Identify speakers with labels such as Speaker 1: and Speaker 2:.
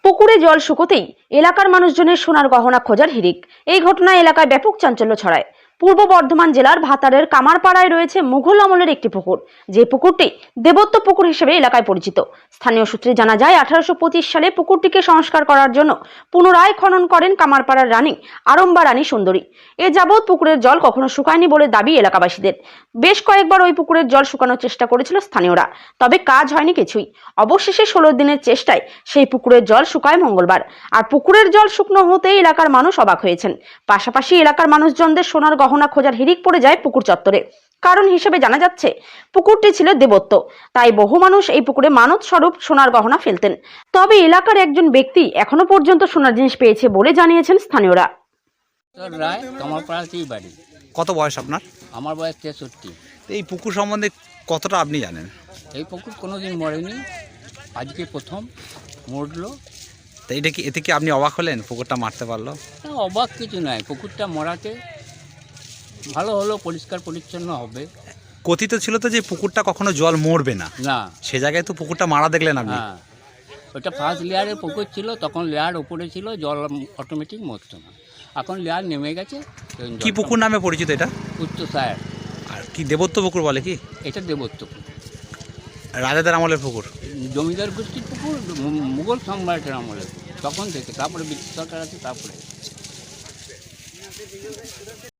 Speaker 1: পুকুরে জল শুকোতেই এলাকার মানুষজনের সোনার গহনা খোঁজার হিড়িক। এই ঘটনায় এলাকায় ব্যাপক চাঞ্চল্য ছড়ায়। পূর্ব বর্ধমান জেলার ভাতারের কামারপাড়ায় রয়েছে মুঘল আমলের একটি পুকুর, যে পুকুরটি দেবত্ব পুকুর হিসেবে এলাকায় পরিচিত। স্থানীয় সূত্রে জানা যায়, 1825 সালে পুকুরটিকে সংস্কার করার জন্য পুনরায় খনন করেন কামারপাড়ার রানী আরম্বা রানী সুন্দরী। এ যাবৎ পুকুরের জল কখনো শুকায়নি বলে দাবি এলাকাবাসীদের। বেশ কয়েকবার ওই পুকুরের জল শুকানোর চেষ্টা করেছিল স্থানীয়রা, তবে কাজ হয়নি কিছুই। অবশেষে 16 দিনের চেষ্টায় সেই পুকুরের জল শুকায় মঙ্গলবার। আর পুকুরের জল শুকনো হতেই এলাকার মানুষ অবাক হয়েছেন। পাশাপাশি এলাকার মানুষজনদের সোনার গহনা খোঁজার হিড়িক পড়ে যায় পুকুর চত্বরে। কারণ হিসেবে জানা যাচ্ছে, পুকুরটি ছিল দেবত্ব, তাই বহু মানুষ এই পুকুরে মানত স্বরূপ সোনার গহনা ফেলতেন। তবে এলাকার একজন ব্যক্তি এখনো পর্যন্ত সোনার জিনিস পেয়েছে বলে জানিয়েছেন স্থানীয়রা।
Speaker 2: রায় কামারপাড়াতেই বাড়ি।
Speaker 3: কত বয়স আপনার?
Speaker 2: আমার বয়স 63।
Speaker 3: এই পুকুর সম্বন্ধে কতটা আপনি জানেন?
Speaker 2: এই পুকুর কোনোদিন মরেনি, আজকে প্রথম মরলো।
Speaker 3: তো এটা কি, এতে কি আপনি অবাক হলেন পুকুরটা মারতে পারলো?
Speaker 2: তা অবাক কিছু নয়, পুকুরটা মরাতে ভালো হলো, পরিষ্কার পরিচ্ছন্ন হবে।
Speaker 3: কথিত ছিল তো যে পুকুরটা কখনো জল মরবে না,
Speaker 2: না,
Speaker 3: সে জায়গায় তো পুকুরটা মারা দেখলেন আপনি।
Speaker 2: হ্যাঁ, ওটা ফার্স্ট লেয়ারের পুকুর ছিল, তখন লেয়ার উপরে ছিল, জল অটোমেটিক মরতো না। এখন লেয়ার নেমে গেছে।
Speaker 3: কি পুকুর নামে পরিচিত এটা?
Speaker 2: উচ্চসায়ের।
Speaker 3: আর কি দেবত্ব পুকুর বলে কি?
Speaker 2: এটা দেবত্ব পুকুর,
Speaker 3: রাজাদের আমলের পুকুর।
Speaker 2: জমিদার গোষ্ঠীর পুকুর, মুঘল সম্রাটের আমলের তখন থেকে। তারপরে ব্রিটিশ সরকার আছে, তারপরে